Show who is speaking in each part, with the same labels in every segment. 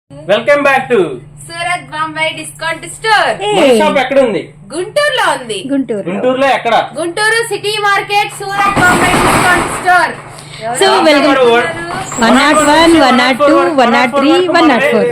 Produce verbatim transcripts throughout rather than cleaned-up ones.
Speaker 1: Welcome back to
Speaker 2: Surat Bombay discount store.
Speaker 1: Shop ఎక్కడ ఉంది?
Speaker 2: గుంటూరులో ఉంది.
Speaker 3: గుంటూరు
Speaker 1: గుంటూరులో ఎక్కడ?
Speaker 2: Guntur city market Surat Bombay discount store.
Speaker 3: So welcome one not one one not two one not three one not four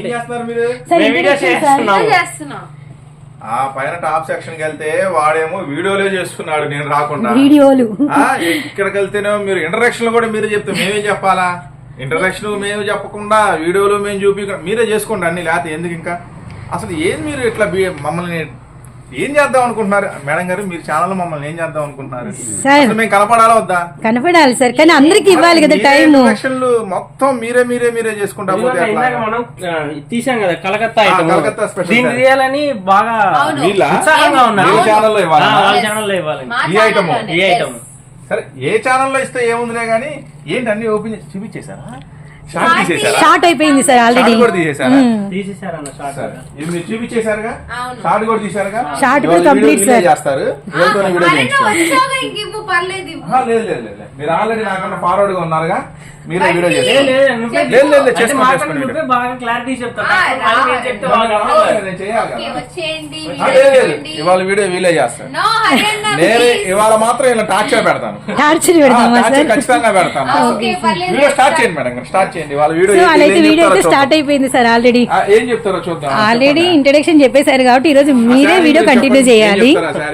Speaker 2: చేస్తున్నాం.
Speaker 4: ఆ పైన టాప్ సెక్షన్ కి వెళ్తే వాడేమో వీడియోలే చేస్తున్నాడు, నేను రాకుండా.
Speaker 3: వీడియోలు
Speaker 4: ఇక్కడికి వెళ్తేనేమో మీరు ఇంటరాక్షన్ కూడా మీరే చెప్తే మేమేం చెప్పాలా? ఇంటరాక్షన్ మేము చెప్పకుండా వీడియోలు మేము చూపి మీరే చేసుకోండి అన్ని, లేకపోతే ఎందుకు ఇంకా అసలు ఏం మీరు ఇట్లా మమ్మల్ని ఏం చేద్దాం అనుకుంటున్నారు మేడం గారు? మీరు ఛానల్ మమ్మల్ని ఏం చేద్దాం అనుకుంటున్నారు? మేము కనపడాలా వద్దా?
Speaker 3: కనపడాలి సార్, కానీ అందరికి ఇవ్వాలి కదా టైం.
Speaker 4: ఇంటరాక్షన్లు మొత్తం మీరే మీరే మీరే చేసుకుంటా పోతే
Speaker 1: మనం తీసాం కదా కలకత్తా ఐటమ్,
Speaker 4: కలకత్తా స్పెషల్
Speaker 1: దీన్ని తీయాలని బాగా ఉత్సాహంగా ఉన్నారు.
Speaker 4: ఛానల్లో ఇవ్వాలి,
Speaker 1: వాళ్ళ ఛానల్లో ఇవ్వాలి
Speaker 4: ఈ ఐటమ్
Speaker 1: ఈ ఐటమ్.
Speaker 4: సరే ఏ ఛానల్లో ఇస్తే ఏముందిలే గానీ ఏంటి అన్ని ఓపెన్ చేసి చూపించేశారా? షార్ట్ తీసేశారా?
Speaker 3: షార్ట్ అయిపోయింది సార్ ఆల్రెడీ.
Speaker 4: కూడా తీసేశారా?
Speaker 1: తీసేశారన్న షార్ట్.
Speaker 4: ఇది మీరు చూపించేశారుగా, షార్ట్ కూడా తీశారుగా.
Speaker 3: షార్ట్ కూడా కంప్లీట్ సార్
Speaker 4: చేస్తారు. వీడియోతోనే వీడియో చేయించుకోండి.
Speaker 2: పర్లేదు.
Speaker 4: ఆహా, లేదు లేదు లేదు మీరు ఆల్రెడీ నాకన్నా ఫార్వర్డ్ గా ఉన్నారుగా, మీరే వీడియో
Speaker 1: లేదు,
Speaker 4: చేస్తారు.
Speaker 1: లేదు, నువ్వే
Speaker 4: లేదు, లేదు,
Speaker 1: అంటే
Speaker 4: చేసుకోండి,
Speaker 1: మాకన్నా
Speaker 4: చేసుకోండి.
Speaker 1: నువ్వే బాగా క్లారిటీ చెప్తావు.
Speaker 2: ఆ,
Speaker 1: వాళ్ళు నేను చెప్తే వాళ్ళు
Speaker 4: లేదు, నేను చేయాలి కదా.
Speaker 2: వచ్చేయండి.
Speaker 4: ఆ, లేదు, లేదు, ఇవాళ వీడియో వీలే చేస్తాను.
Speaker 2: నో హరియన్న
Speaker 4: నేనే ఇవాళ మాత్రం ఇలా టార్చర్ పెడతాను.
Speaker 3: టార్చర్ పెడదామా
Speaker 4: టార్చర్
Speaker 3: సార్?
Speaker 4: ఖచ్చితంగా పెడతాను.
Speaker 2: ఓకే పర్లేదు.
Speaker 4: వీడియో స్టార్ట్ చేయండి మేడం, స్టార్ట్ చేయండి. వాళ్ళ వీడియో
Speaker 3: సో
Speaker 4: ఏం
Speaker 3: వాళ్ళైతే వీడియో
Speaker 4: చెప్తారో
Speaker 3: అయితే స్టార్ట్
Speaker 4: చూద్దాం.
Speaker 3: అయిపోయింది సార్ ఆల్రెడీ.
Speaker 4: ఆ, ఏం చెప్తారో చూద్దాం.
Speaker 3: ఆల్రెడీ ఇంట్రడక్షన్ చెప్పేశారు కాబట్టి ఈ రోజు మీరే వీడియో కంటిన్యూ చేయాలి.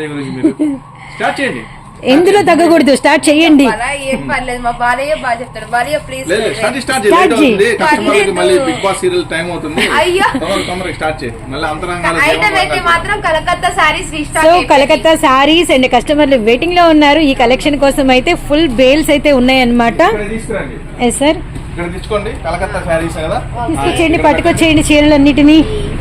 Speaker 4: స్టార్ట్ చేయండి.
Speaker 3: ఎందులో తగ్గకూడదు, స్టార్ట్ చేయండి.
Speaker 2: అలా ఏం పర్లేదు, మా బాలయ్య బాగా చెప్తాడు. బాలయ్య ప్లీజ్.
Speaker 4: లేదు, స్టార్ట్ స్టార్ట్
Speaker 3: Start
Speaker 4: చేయండి.
Speaker 3: చేయి.
Speaker 4: కస్టమర్లకి మళ్ళీ బిగ్ బాస్ సీరియల్ టైం అవుతుంది.
Speaker 2: అయ్యో.
Speaker 4: తొందరగా తొందరగా స్టార్ట్ చేయి. మళ్ళీ అంతరంగాలు
Speaker 2: ఐటమ్ అయితే మాత్రం Calcutta saris
Speaker 3: so
Speaker 2: restock.
Speaker 3: Calcutta saris and కస్టమర్లు వెయిటింగ్ లో ఉన్నారు. ఈ కలెక్షన్ కోసం అయితే ఫుల్ బేల్స్ అయితే ఉన్నాయన్నమాట.
Speaker 4: ఇక్కడ తీసుకురండి,
Speaker 3: ఎస్ సార్,
Speaker 4: ఇక్కడ తెచ్చుకోండి. కలకత్తా శారీస్ కదా,
Speaker 3: తీసుకొచ్చేయండి, పట్టుకొచ్చేయండి చీరలన్నిటినీ.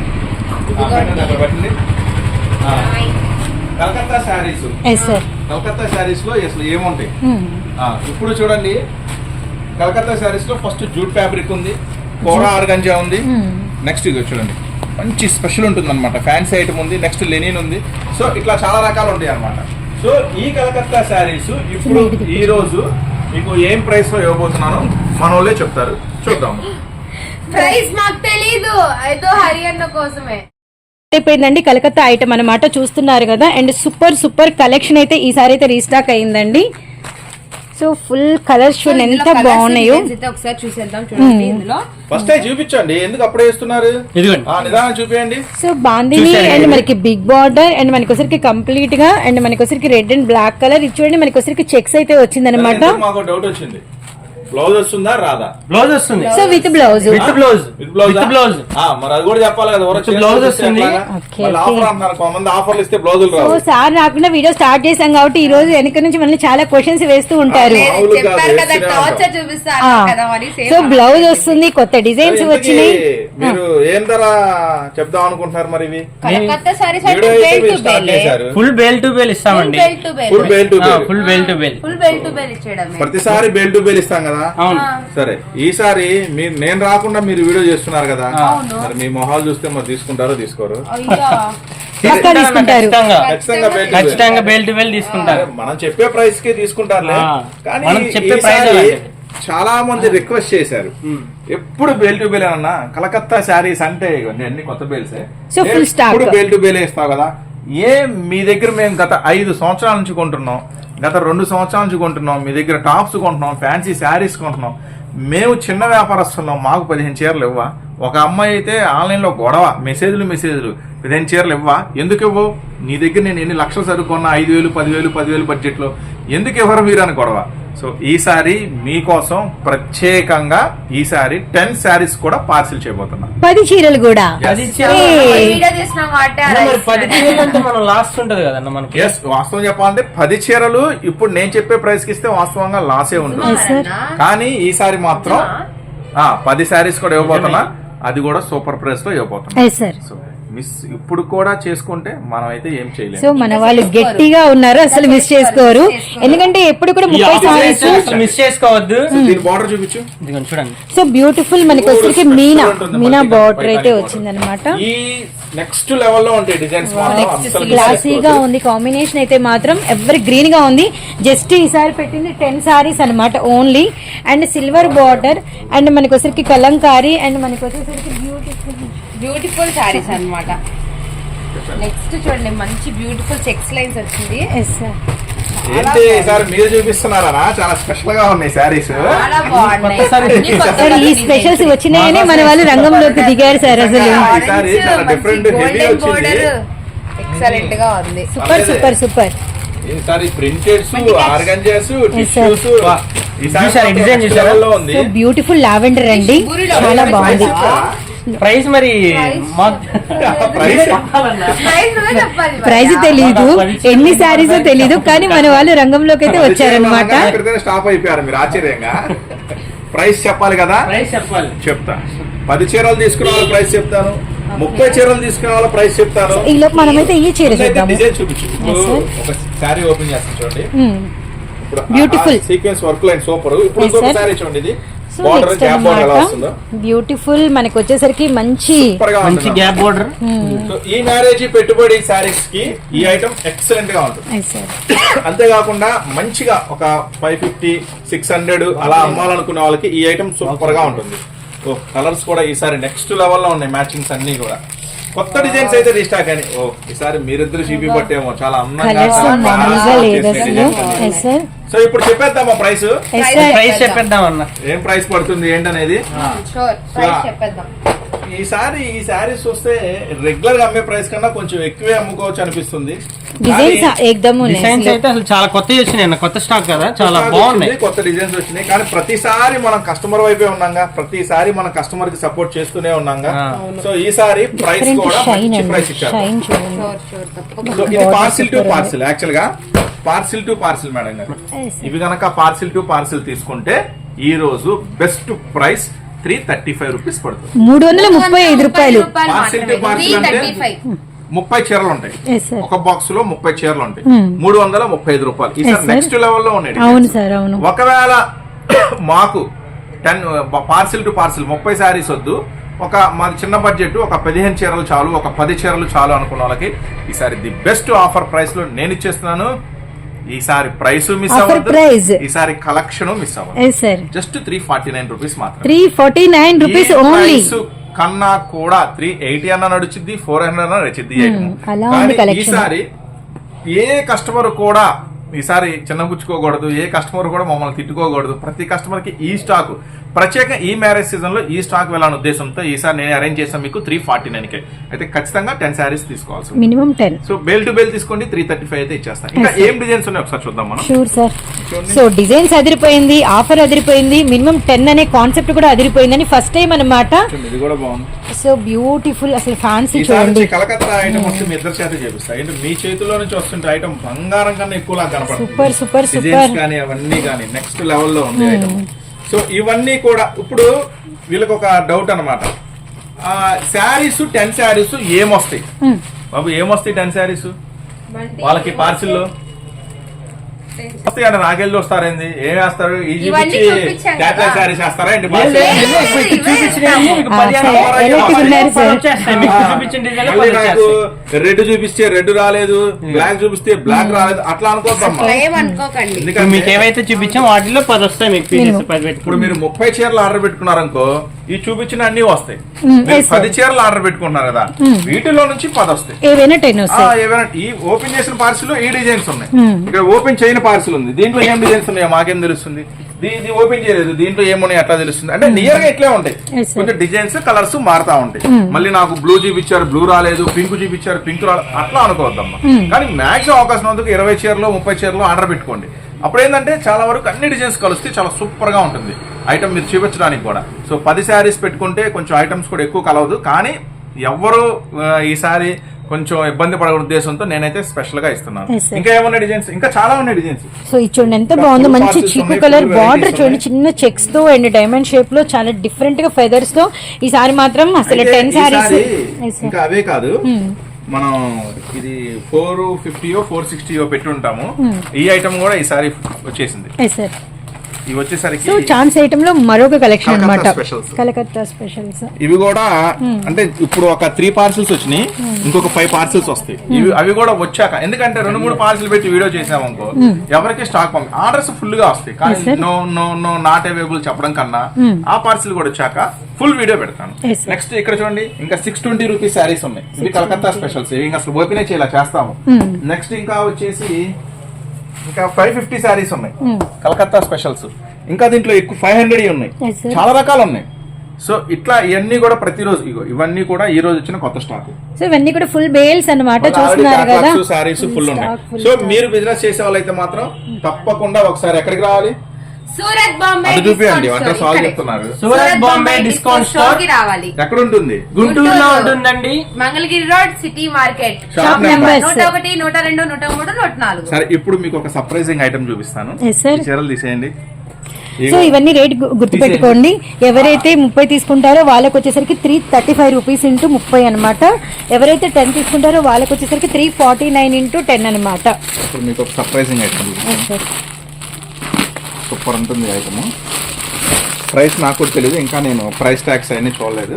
Speaker 4: ఆ, పెట్టండి, అక్కడ పెట్టండి. ఆ, కలకత్తా శారీస్.
Speaker 3: Yes sir.
Speaker 4: కలకత్తా శారీస్ లో అసలు ఏముంటాయి? ఆ, ఇప్పుడు చూడండి, కలకత్తా శారీస్ లో ఫస్ట్ జూట్ ఫ్యాబ్రిక్ ఉంది, కోరా ఆర్గంజా ఉంది. నెక్స్ట్ ఇది చూడండి, మంచి స్పెషల్ ఉంటుంది అనమాట, ఫ్యాన్సీ ఐటమ్ ఉంది. నెక్స్ట్ లెనిన్ ఉంది. సో ఇట్లా చాలా రకాలు ఉంటాయి అనమాట. సో ఈ కలకత్తా శారీస్ ఇప్పుడు ఈ రోజు మీకు ఏం ప్రైస్ లో ఇవ్వబోతున్నానో మన వాళ్ళే చెప్తారు, చూద్దాం.
Speaker 2: ప్రైస్ మాకు తెలీదు, ఏదో హరియన్న కోసమే
Speaker 3: అయిపోయిందండి. కలకత్తా ఐటమ్ అన్నమాట, చూస్తున్నారు కదా. అండ్ సూపర్ సూపర్ కలెక్షన్ అయితే ఈసారి అయితే రీస్టాక్ అయిందండి. సో ఫుల్ కలర్స్ చూడండి ఎంత బాగున్నాయో.
Speaker 2: ఒకసారి చూసేద్దాం. చూడండి ఇందులో
Speaker 4: ఫస్ట్ చూపించండి, ఎందుకు అప్పుడే ఇస్తున్నారు?
Speaker 1: ఇదిగోండి.
Speaker 4: ఆ, నిదానం చూపించండి.
Speaker 3: సో బాందిని అండ్ మనకి బిగ్ బార్డర్ అండ్ మనకి వచ్చరికి కంప్లీట్ గా అండ్ మనకి వచ్చరికి రెడ్ అండ్ బ్లాక్ కలర్. ఇది చూడండి మనకి వచ్చరికి చెక్స్ అయితే వచ్చింది అనమాట.
Speaker 4: మాకు డౌట్ వచ్చింది, బ్లౌజ్ వస్తుందా రాదా?
Speaker 1: బ్లౌజ్ వస్తుంది.
Speaker 3: So with blouse
Speaker 1: with blouse
Speaker 4: with blouse
Speaker 1: with blouse
Speaker 4: ఆ, మరి అది కూడా చెప్పాలి కదా.
Speaker 1: With blouse వస్తుంది.
Speaker 3: Okay,
Speaker 4: offer
Speaker 3: okay.
Speaker 4: అంటున్నారు కొంతమంది, ఆఫర్లు ఇస్తే బ్లౌజులు
Speaker 3: సో
Speaker 4: రావు.
Speaker 3: సార్ రాకుండా వీడియో స్టార్ట్ చేశాం కాబట్టి ఈ రోజు వెనక నుంచి మనల్ని చాలా క్వశ్చన్స్ వేస్తూ ఉంటారు.
Speaker 2: లేదు,
Speaker 4: మామూలుగా
Speaker 2: చెప్పారు కదా
Speaker 4: వేస్తూనే
Speaker 2: టార్చర్
Speaker 4: ఉంటాం.
Speaker 2: చూపిస్తారు
Speaker 3: ఆ.
Speaker 2: కదా మరి సేమ్
Speaker 3: సో బ్లౌజ్ వస్తుంది, కొత్త డిజైన్స్
Speaker 4: ఇంతకీ
Speaker 3: వచ్చినాయి.
Speaker 4: మీరు ఏం ధర చెప్దాం అనుకుంటున్నారు మరి? ఇవి
Speaker 2: కలకత్తా సారీస్ అంటే
Speaker 4: వీడియో అయితే
Speaker 2: బెల్
Speaker 4: మీరు
Speaker 2: టు
Speaker 4: స్టార్ట్
Speaker 2: బెల్,
Speaker 4: చేశారు.
Speaker 1: ఫుల్ బేల్ టు బేల్ ఇస్తామండి.
Speaker 2: Bale to bale,
Speaker 4: full bale to bale.
Speaker 1: Full bale to bale
Speaker 2: full bale to bale ఇచ్చేయడమే.
Speaker 4: ప్రతిసారి బేల్ టు బేల్ ఇస్తాం కదా.
Speaker 1: అవును.
Speaker 4: సరే, ఈసారి మీరు నేను రాకుండా మీరు వీడియో చేస్తున్నారు కదా,
Speaker 2: అవును.
Speaker 4: మరి మీ మొహాలు చూస్తే మరి తీసుకుంటారో తీసుకోరు?
Speaker 2: అయ్యో
Speaker 3: పక్కా తీసుకుంటారు.
Speaker 1: ఖచ్చితంగా
Speaker 4: ఖచ్చితంగా బేల్ టు బేల్.
Speaker 1: ఖచ్చితంగా బేల్ టు బేల్ తీసుకుంటారు.
Speaker 4: మనం చెప్పే ప్రైస్ కి తీసుకుంటారులే,
Speaker 1: ఆ.
Speaker 4: కానీ
Speaker 1: మనం చెప్పే ప్రైస్
Speaker 4: ఈసారి
Speaker 1: అలాంటిది.
Speaker 4: చాలా మంది రిక్వెస్ట్ చేశారు, ఎప్పుడు బేల్ టు బేల్ అన్నా కలకత్తా శారీస్ అంటే ఇవన్నీ అన్ని కొత్త బేల్సే,
Speaker 3: So, full stock.
Speaker 4: ఎప్పుడు బేల్ టు బేల్ ఇస్తావు కదా. ఏ మీ దగ్గర మేము గత ఐదు సంవత్సరాల నుంచి కొంటున్నాం, గత రెండు సంవత్సరాల నుంచి కొంటున్నాం, మీ దగ్గర టాప్స్ కొంటున్నాం, ఫ్యాన్సీ శారీస్ కొంటున్నాం. మేము చిన్న వ్యాపారస్తున్నాం, మాకు పదిహేను చీరలు ఇవ్వా? ఒక అమ్మాయి అయితే ఆన్లైన్ లో గొడవ, మెసేజ్లు మెసేజ్లు పదిహేను చీరలు ఇవ్వా? ఎందుకు ఇవ్వవు? నీ దగ్గర నేను ఎన్ని లక్షలు సరుకున్నా, ఐదు వేలు పదివేలు పదివేలు బడ్జెట్ లో ఎందుకు ఇవ్వరు మీరు అని గొడవ. సో ఈసారి మీకోసం ప్రత్యేకంగా ఈసారి టెన్ శారీస్ కూడా పార్సిల్ చేయబోతున్నా.
Speaker 3: పది చీరలు కూడా.
Speaker 1: అది
Speaker 2: వీడియో చేసిన వాటే అలా
Speaker 1: మరి పది
Speaker 2: ఇస్తున్నారు.
Speaker 1: చీరలు అంటే మనం లాస్ట్ ఉంటది కదన్న మనకి.
Speaker 4: ఎస్, వాస్తవం చెప్పాలంటే పది చీరలు ఇప్పుడు నేను చెప్పే ప్రైస్ కి ఇస్తే వాస్తవంగా లాసే ఉంటుంది.
Speaker 3: sir.
Speaker 4: కానీ ఈసారి మాత్రం ఆ పది శారీస్ కూడా ఇవ్వబోతున్నా, అది కూడా సూపర్ ప్రైస్ లో ఇవ్వబోతున్నా.
Speaker 3: Yes sir.
Speaker 4: సో మిస్ ఇప్పుడు కూడా చేసుకుంటే మనం అయితే ఏం
Speaker 3: సో
Speaker 4: చేయలేము.
Speaker 3: మన వాళ్ళు గట్టిగా ఉన్నారు, అసలు మిస్ చేసుకోరు. ఎందుకంటే ఎప్పుడు కూడా ముప్పై సారీస్
Speaker 1: మిస్ చేసుకోవద్దు.
Speaker 4: దీని బార్డర్ చూపించు.
Speaker 1: ఇదిగోండి చూడండి.
Speaker 3: సో బ్యూటిఫుల్ మనకి వచ్చరికి మీనా మీనా బార్డర్ అయితే వచ్చింది అనమాట.
Speaker 4: ఈ నెక్స్ట్ లెవెల్లో ఉంటాయి డిజైన్స్.
Speaker 3: క్లాసీగా ఉంది కాంబినేషన్ అయితే మాత్రం ఎవరి గ్రీన్ గా ఉంది. జస్ట్ ఈసారి పెట్టింది టెన్ సారీస్ అన్నమాట only. And silver border and మనకి వచ్చేసరికి కలంకారీ అండ్ మనకి వచ్చేసరికి బ్యూటిఫుల్
Speaker 2: బ్యూటిఫుల్ సారీస్ అన్నమాట. నెక్స్ట్ చూడండి మంచి బ్యూటిఫుల్ చెక్స్ లైన్స్ వచ్చింది.
Speaker 3: Yes sir.
Speaker 4: ఏంటి ఈసారి మీరు చూపిస్తున్నారా? చాలా స్పెషల్ గా ఉన్నాయి సారీస్.
Speaker 2: చాలా బాగున్నాయి.
Speaker 3: సార్ ఈ స్పెషల్స్ వచ్చినాయనే మన వాళ్ళు రంగంలోకి దిగారు సార్. అసలు
Speaker 4: ఈసారి చాలా డిఫరెంట్ హెవీ వచ్చింది.
Speaker 2: ఎక్సలెంట్ గా ఉంది.
Speaker 3: Super super super.
Speaker 4: ఈసారి ప్రింటెడ్స్, ఆర్గంజాస్, టిష్యూస్
Speaker 1: చూసారా డిజైన్ చూసారా?
Speaker 4: ఉంది.
Speaker 3: బ్యూటిఫుల్ లావెండర్ అండి, చాలా బాగుంది.
Speaker 1: ప్రైస్ మరి
Speaker 3: ప్రైస్ తెలీదు, ఎన్ని శారీస్ తెలీదు, కానీ మన వాళ్ళు రంగంలోకి అయితే వచ్చారనమాట.
Speaker 4: స్టాప్ అయిపోయారు మీరు ఆశ్చర్యంగా. ప్రైస్ చెప్పాలి కదా,
Speaker 1: ప్రైస్ చెప్పాలి.
Speaker 4: చెప్తా. పది చీరలు తీసుకున్న వాళ్ళ ప్రైస్ చెప్తాను, ముప్పై చీరలు తీసుకున్న వాళ్ళ ప్రైస్ చెప్తాను.
Speaker 3: ఈ లోపు మనమైతే ఈ చీర చూద్దాం.
Speaker 4: డిజైన్ చూపించు. ఒక శారీ ఓపెన్ చేస్తాను చూడండి.
Speaker 3: Beautiful
Speaker 4: sequence work line super. ఇప్పుడు ఇంకొక శారీ చూడండి. ఇది
Speaker 3: బ్యూటిఫుల్ మనకి వచ్చేసరికి మంచి
Speaker 1: మంచి గ్యాప్ బోర్డర్.
Speaker 4: సో ఈ మ్యారేజ్ పెట్టుబడి శారీస్ కి ఈ ఐటమ్ ఎక్సలెంట్ గా ఉంటుంది. అంతేకాకుండా మంచిగా ఒక ఫైవ్ ఫిఫ్టీ సిక్స్ హండ్రెడ్ అలా అమ్మాలనుకునే వాళ్ళకి ఈ ఐటమ్ సూపర్ గా ఉంటుంది. ఓ కలర్స్ కూడా ఈసారి నెక్స్ట్ లెవెల్ లో ఉన్నాయి. మ్యాచింగ్స్ అన్ని కూడా కొత్త డిజైన్స్ అయితే రీస్టాక్ అని. ఓ ఈసారి మీరిద్దరు చూపి పట్టేమో చాలా అందంగా. సో ఇప్పుడు చెప్పేద్దామా ప్రైస్?
Speaker 1: ప్రైస్ చెప్పేద్దాం అన్న.
Speaker 4: ఏం ప్రైస్ పడుతుంది ఏంటనేది
Speaker 2: చెప్పేద్దాం.
Speaker 4: ఈసారి ఈ శారీస్ వస్తే రెగ్యులర్ గా అమ్మే ప్రైస్ కన్నా కొంచెం ఎక్కువే అమ్ముకోవచ్చు అనిపిస్తుంది.
Speaker 1: డిజైన్స్ అయితే అసలు చాలా కొత్తవి వచ్చినాయి, కొత్త స్టాక్ కదా, చాలా బాగున్నాయి.
Speaker 4: కొత్త డిజైన్స్ వచ్చినాయి. కానీ ప్రతిసారి మనం కస్టమర్ వైపే ఉన్నాగా, ప్రతిసారి మనం కస్టమర్ కి సపోర్ట్ చేస్తూనే ఉన్నాగా. సో ఈసారి ప్రైస్ కూడా మంచి ప్రైస్ ఇచ్చారు. సో ఇది పార్సిల్ టు పార్సిల్. యాక్చువల్ గా పార్సిల్ టు పార్సిల్ మేడం గారు, ఇవి గనక పార్సిల్ టు పార్సిల్ తీసుకుంటే ఈ రోజు best price three thirty five rupees పడుతుంది.
Speaker 3: మూడు వందల ముప్పై ఐదు రూపాయలు.
Speaker 4: పార్సిల్ టు పార్సిల్ అంటే ముప్పై చీరలు ఉంటాయి, ఒక బాక్స్ లో ముప్పై చీరలు ఉంటాయి, మూడు వందల ముప్పై ఐదు రూపాయలు. ఈసారి నెక్స్ట్ లెవెల్ లో ఉన్నాయి.
Speaker 3: అవును సార్, అవును.
Speaker 4: ఒకవేళ మాకు టెన్ పార్సిల్ టు పార్సిల్ ముప్పై శారీస్ వద్దు, ఒక మాది చిన్న బడ్జెట్, ఒక పదిహేను చీరలు చాలు, ఒక పది చీరలు చాలు అనుకున్న వాళ్ళకి ఈసారి ది బెస్ట్ ఆఫర్ ప్రైస్ లో నేను ఇచ్చేస్తున్నాను. ఈసారి ప్రైస్ మిస్ అవ్వదు, ఈసారి కలెక్షన్ మిస్ అవ్వదు. Just three forty nine rupees మాత్రం.
Speaker 3: Three forty nine rupees only.
Speaker 4: కన్నా కూడా త్రీ ఎయిటీ అన్న నడుచుద్ది, ఫోర్ హండ్రెడ్ అన్న నడుచుద్ది. ఈసారి ఏ కస్టమర్ కూడా ఈసారి చిన్నపుచ్చుకోకూడదు, ఏ కస్టమర్ కూడా మమ్మల్ని తిట్టుకోకూడదు. ప్రతి కస్టమర్ కి ఈ స్టాక్ ప్రత్యేక ఈ మ్యారేజ్ సీజన్ లో ఈ స్టాక్ వెళ్ళాలని ఉద్దేశంతో ఈసారి నేను అరేంజ్ చేసాను మీకు త్రీ ఫార్టీ నైన్ కే. అయితే ఖచ్చితంగా టెన్ శారీస్ తీసుకోవాల్సి
Speaker 3: minimum ten.
Speaker 4: So bale to bale తీసుకోండి, త్రీ థర్టీ ఫైవ్ అయితే ఇచ్చేస్తాను. ఇంకా ఏం డిజైన్స్ ఉన్నాయి ఒకసారి చూద్దాం మనం.
Speaker 3: Sure sir. సో డిజైన్స్ అదిరిపోయింది, ఆఫర్ అదిరిపోయింది, మినిమం టెన్ అనే కాన్సెప్ట్ కూడా అదిరిపోయిందని ఫస్ట్ టైం అన్నమాట.
Speaker 4: ఇది కూడా బాగుంది.
Speaker 3: సో బ్యూటిఫుల్, అసలు ఫ్యాన్సీ చూడండి.
Speaker 4: కలకత్తా ఐటమ్ వస్తే మీ ఇద్దరు చేత చేపిస్తాయి. మీ చేతిలో నుంచి వస్తుంటే ఐటమ్ బంగారం కన్నా ఎక్కువ లాగా కనపడుతుంది.
Speaker 3: సూపర్ సూపర్ సూపర్
Speaker 4: కానీ అవన్నీ కానీ నెక్స్ట్ లెవెల్లో ఉంది ఐటమ్. సో ఇవన్నీ కూడా ఇప్పుడు వీళ్ళకి ఒక డౌట్ అనమాట, శారీస్ టెన్ శారీస్ ఏమొస్తాయి బాబు, ఏమొస్తాయి టెన్ శారీస్ వాళ్ళకి పార్సిల్లో వస్తాయి అంటే నాకెళ్ళి వస్తారేంది, ఏం వేస్తారు? ఈ చూపించి క్యాట్లాగ్ శారీస్ వేస్తారా ఏంటి? రెడ్ చూపిస్తే రెడ్ రాలేదు, బ్లాక్ చూపిస్తే బ్లాక్ రాలేదు, అట్లా అనుకోద్దమ్మా.
Speaker 1: మీకు ఏవైతే చూపించాం వాటిలో పది వస్తాయి మీకు.
Speaker 4: ఇప్పుడు మీరు ముప్పై చీరలు ఆర్డర్ పెట్టుకున్నారనుకో, ఈ చూపించిన అన్ని వస్తాయి. పది చీరలు ఆర్డర్ పెట్టుకున్నారు కదా, వీటిలో నుంచి పది వస్తాయి. ఏవైనా ఈ ఓపెన్ చేసిన పార్సిల్ ఈ డిజైన్స్ ఉన్నాయి, ఇక్కడ ఓపెన్ చేయని పార్సిల్ ఉంది, దీంట్లో ఏం డిజైన్స్ ఉన్నాయో మాకేం తెలుస్తుంది? ఇది ఓపెన్ చేయలేదు, దీంట్లో ఏమున్నాయి అట్లా తెలుస్తుంది. అంటే నియర్ గా ఇట్లే ఉంటాయి, కొంచెం డిజైన్స్ కలర్స్ మారుతా ఉంటాయి. మళ్ళీ నాకు బ్లూ చూపించారు, బ్లూ రాలేదు, పింక్ చూపించారు, పింక్ రాలేదు, అట్లా అనుకోవద్దమ్మా. కానీ మాక్సిమం అవకాశం ఉన్నందుకు ఇరవై చీరలు ముప్పై చీరలు ఆర్డర్ పెట్టుకోండి. అప్పుడు ఏంటంటే చాలా వరకు అన్ని డిజైన్స్ కలిస్తే చాలా సూపర్ గా ఉంటుంది ఐటమ్ మీరు చూపించడానికి కూడా. సో పది శారీస్ పెట్టుకుంటే కొంచెం ఐటమ్స్ కూడా ఎక్కువ కలవదు. కానీ ఎవరు ఈసారి కొంచెం ఇబ్బంది పడే ఉద్దేశంతో నేనైతే స్పెషల్ గా ఇస్తున్నాను. ఇంకా ఏమన్నా డిజైన్స్, ఇంకా చాలా ఉన్నాయి డిజైన్స్.
Speaker 3: సో ఇది చూడండి ఎంత బాగుందో, మంచి చీకు కలర్ బార్డర్ చూడండి, చిన్న చెక్స్ తో అండ్ డైమండ్ షేప్ లో చాలా డిఫరెంట్ గా ఫెదర్స్ తో. ఈసారి మాత్రం అసలు టెన్ శారీస్.
Speaker 4: ఇంకా అవే కాదు, మనం ఇది ఫోర్ ఫిఫ్టీయో ఫోర్ సిక్స్టీయో పెట్టి ఉంటాము. ఈ ఐటమ్ కూడా ఈసారి వచ్చేసింది. ఇవి వచ్చేసరికి
Speaker 3: సో ఛాన్స్ ఐటమ్ లో మరొక కలెక్షన్
Speaker 4: కలకత్తా
Speaker 3: అన్నమాట,
Speaker 4: specials.
Speaker 3: కలకత్తా స్పెషల్స్.
Speaker 4: ఇవి కూడా అంటే ఇప్పుడు ఒక త్రీ పార్సిల్స్ వచ్చినాయి, ఇంకొక ఫైవ్ పార్సిల్స్ వస్తాయి. ఇవి అవి కూడా వచ్చాక, ఎందుకంటే రెండు మూడు పార్సిల్ పెట్టి వీడియో చేసామనుకో ఎవరికి స్టాక్ పంపి ఆర్డర్స్ ఫుల్ గా వస్తాయి. కానీ no no no not available చెప్పడం కన్నా ఆ పార్సిల్ కూడా వచ్చాక ఫుల్ వీడియో పెడతాను. నెక్స్ట్ ఇక్కడ చూడండి, ఇంకా సిక్స్ ట్వంటీ రూపీస్ శారీస్ ఉన్నాయి. ఇవి కలకత్తా స్పెషల్స్, ఇవి ఇంకా అసలు ఓపెన్ చేయాల చేస్తాము. నెక్స్ట్ ఇంకా వచ్చేసి ఇంకా ఫైవ్ ఫిఫ్టీ శారీస్ ఉన్నాయి కలకత్తా స్పెషల్స్. ఇంకా దీంట్లో ఎక్కువ ఫైవ్ హండ్రెడ్ ఉన్నాయి, చాలా రకాలు ఉన్నాయి. సో ఇట్లా ఇవన్నీ కూడా ప్రతిరోజు ఇగో ఇవన్నీ కూడా ఈ రోజు వచ్చిన కొత్త స్టాక్.
Speaker 3: సో ఇవన్నీ కూడా ఫుల్ బేల్స్ అన్నమాట, చూస్తున్నారు కదా,
Speaker 4: శారీస్ ఫుల్ ఉన్నాయి. సో మీరు బిజినెస్ చేసే వాళ్ళైతే మాత్రం తప్పకుండా ఒకసారి ఎక్కడికి రావాలి,
Speaker 2: సూరత్ బాంబే
Speaker 4: అది చూపియండి. అంటే సాల్వ్ చెప్తున్నారు.
Speaker 1: సూరత్ బాంబే డిస్కౌంట్ స్టోర్
Speaker 2: కి రావాలి.
Speaker 4: ఎక్కడ ఉంటుంది?
Speaker 1: గుంటూరులో ఉంటుందండి,
Speaker 2: Mangalagiri road, city market,
Speaker 4: shop number
Speaker 2: నూట ఒకటి నూట రెండు నూట మూడు నూట నాలుగు.
Speaker 4: సరే, ఇప్పుడు మీకు ఒక సర్ప్రైజింగ్ ఐటమ్ చూపిస్తాను.
Speaker 3: Yes, sir.
Speaker 4: ఈ చీరలు తీసేయండి.
Speaker 3: సో ఇవన్నీ రేట్ గుర్తుపెట్టుకోండి. ఎవరైతే ముప్పై తీసుకుంటారో వాళ్ళకి వచ్చేసరికి three thirty five rupees into ముప్పై అనమాట. ఎవరైతే టెన్ తీసుకుంటారో వాళ్ళకి వచ్చేసరికి three forty nine into ten అనమాట.
Speaker 4: ఇప్పుడు మీకు ఒక సర్ప్రైజింగ్ ఐటమ్ చూపిస్తాను. సూపర్ ఉంటుంది ఐటమ్. ప్రైస్ నాకు కూడా తెలియదు, ఇంకా నేను ప్రైస్ ట్యాక్స్ అయినా చూడలేదు.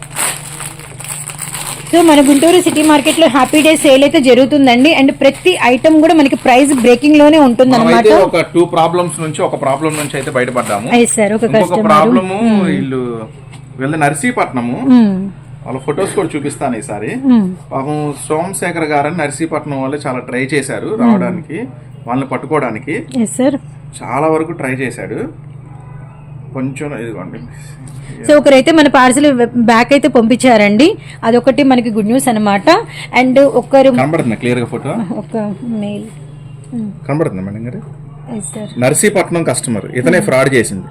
Speaker 3: సో మన గుంటూరు సిటీ మార్కెట్ లో హ్యాపీ డే సేల్ అయితే జరుగుతుందండి. అండ్ ప్రతి ఐటమ్ కూడా మనకి ప్రైస్ బ్రేకింగ్ లోనే ఉంటుంది అనమాట.
Speaker 4: ఒక టూ ప్రాబ్లమ్స్ నుంచి ఒక ప్రాబ్లం నుంచి అయితే బయటపడ్డాము.
Speaker 3: సార్ ఒక
Speaker 4: ప్రాబ్లము వీళ్ళు వీళ్ళ నర్సీపట్నము, వాళ్ళ ఫొటోస్ కూడా చూపిస్తాను ఈసారి. పాపం సోమశేఖర్ గారని నర్సీపట్నం వాళ్ళు చాలా ట్రై చేశారు రావడానికి, వాళ్ళని పట్టుకోవడానికి. చాలా వరకు ట్రై చేశాడు. కొంచెం ఇదిగోండి.
Speaker 3: సో ఒకరైతే మన పార్సల్ బ్యాక్ అయితే పంపించారండి, అదొకటి మనకి గుడ్ న్యూస్ అనమాట. అండ్ ఒకరు
Speaker 4: కనబడుతుంది క్లియర్ గా ఫోటో,
Speaker 3: ఒక మెయిల్
Speaker 4: కనబడుతుంది మేడం గారు. నర్సీపట్నం కస్టమర్, ఇతనే ఫ్రాడ్ చేసింది.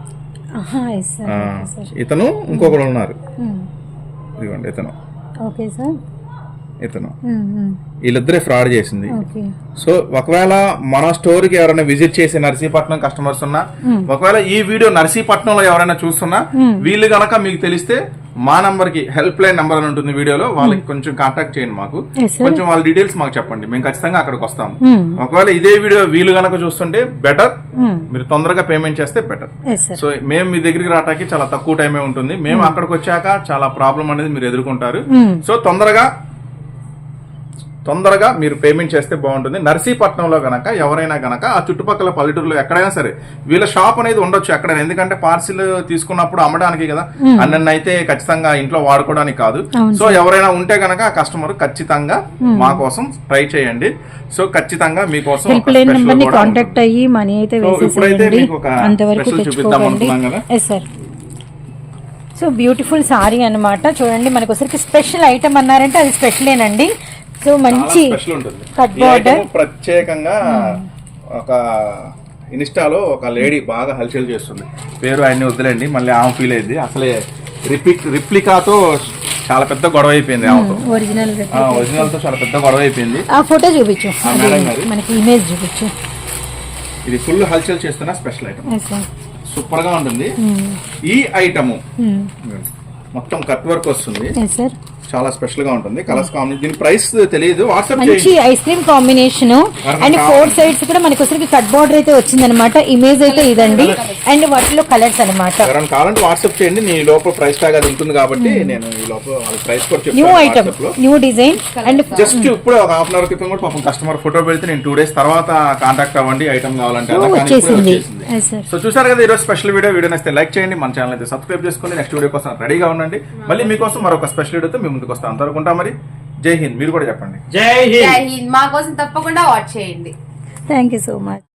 Speaker 4: ఇతను ఇంకొకరు ఉన్నారు, ఇదిగోండి ఇతను.
Speaker 3: ఓకే సార్,
Speaker 4: ఇతను వీళ్ళిద్దరే ఫ్రాడ్ చేసింది. సో ఒకవేళ మన స్టోర్ కి ఎవరైనా విజిట్ చేసి నర్సీపట్నం కస్టమర్స్ ఉన్నా, ఒకవేళ ఈ వీడియో నర్సీపట్నంలో ఎవరైనా చూస్తున్నా, వీళ్ళు గనక మీకు తెలిస్తే మా నంబర్ కి హెల్ప్ లైన్ నంబర్ అని ఉంటుంది వీడియోలో, వాళ్ళకి కొంచెం కాంటాక్ట్ చేయండి. మాకు కొంచెం వాళ్ళ డీటెయిల్స్ మాకు చెప్పండి, మేము ఖచ్చితంగా అక్కడికి వస్తాము. ఒకవేళ ఇదే వీడియో వీళ్ళు గనక చూస్తుంటే బెటర్, మీరు తొందరగా పేమెంట్ చేస్తే బెటర్. సో మేము మీ దగ్గరికి రావడానికి చాలా తక్కువ టైమే ఉంటుంది. మేము అక్కడికి వచ్చాక చాలా ప్రాబ్లం అనేది మీరు ఎదుర్కొంటారు. సో తొందరగా తొందరగా మీరు పేమెంట్ చేస్తే బాగుంటుంది. నర్సీపట్నంలో గనక ఎవరైనా గనక ఆ చుట్టుపక్కల పల్లెటూరులో ఎక్కడైనా సరే వీళ్ళ షాప్ అనేది ఉండొచ్చు ఎక్కడైనా, ఎందుకంటే పార్సిల్ తీసుకున్నప్పుడు అమ్మడానికి కదా, అన్న అయితే ఖచ్చితంగా ఇంట్లో వాడుకోవడానికి కాదు. సో ఎవరైనా ఉంటే గనక ఆ కస్టమర్ ఖచ్చితంగా మా కోసం ట్రై చేయండి. సో ఖచ్చితంగా మీకోసం
Speaker 3: కాంటాక్ట్ అయ్యి మనీ అయితే
Speaker 4: ఇప్పుడైతే మీకు ఒక స్పెషల్ చూపిద్దాం అనుకున్నాం కదా.
Speaker 3: సో బ్యూటిఫుల్ సారీ అన్నమాట. చూడండి, మనకు ఒకసారికి స్పెషల్ ఐటమ్ అన్నారంటే అది స్పెషలేనండి. సో మంచి కట్ బోర్డర్.
Speaker 4: ప్రత్యేకంగా ఒక ఇన్స్టాలో ఒక లేడీ బాగా హల్చల్ చేస్తుంది, పేరు ఆయన్ని వదిలేండి, మళ్ళీ ఆమె ఫీల్ అయింది. అసలే రిప్లిక్ రిప్లికాతో చాలా పెద్ద గొడవ అయిపోయింది.
Speaker 3: ఒరిజినల్
Speaker 4: ఒరిజినల్ తో చాలా పెద్ద గొడవ అయిపోయింది.
Speaker 3: ఆ ఫోటో చూపించు, మనకి ఇమేజ్ చూపించు.
Speaker 4: ఇది ఫుల్ హల్చల్ చేస్తున్న స్పెషల్ ఐటమ్, సూపర్ గా ఉంటుంది. ఈ ఐటమ్ మొత్తం కట్ వర్క్ వస్తుంది, చాలా స్పెషల్ గా ఉంటుంది. కలర్స్ కాంబినేషన్, దీని ప్రైస్ తెలియదు, వాట్సాప్
Speaker 3: మంచి ice cream combination. And four sides కూడా మనకి వచ్చరికి కట్ బోర్డర్ అయితే వచ్చింది అనమాట. ఇమేజ్ అయితే ఇదండి, అండ్ వాటిలో కలర్స్ అనమాట.
Speaker 4: కావాలంటే వాట్సాప్ చేయండి, నీ లోపల ప్రైస్ ట్యాగ్ అది ఉంటుంది కాబట్టి నేను ఈ లోపల ప్రైస్ కూడా చెప్తాను.
Speaker 3: New item, new design. And
Speaker 4: just ఇప్పుడు ఒక హాఫ్ అన్ అవర్ క్రితం కూడా పాపం కస్టమర్ ఫోటో పెడితే నేను టూ డేస్ తర్వాత కాంటాక్ట్ అవ్వండి ఐటమ్ కావాలంటే. సో చూసారు కదా ఈరోజు స్పెషల్ వీడియో. వీడియో నచ్చితే లైక్ చేయండి, మన ఛానల్ అయితే సబ్స్క్రైబ్ చేసుకోండి. నెక్స్ట్ వీడియో కోసం రెడీగా ఉండండి. మళ్ళీ మీకోసం మరొక స్పెషల్ వీడియోతో మేము ముందుకు వస్తాం. అంతవరకు మరి జై హింద్. మీరు కూడా చెప్పండి
Speaker 2: జై హింద్. మా కోసం తప్పకుండా వాచ్ చేయండి.
Speaker 3: Thank you so much.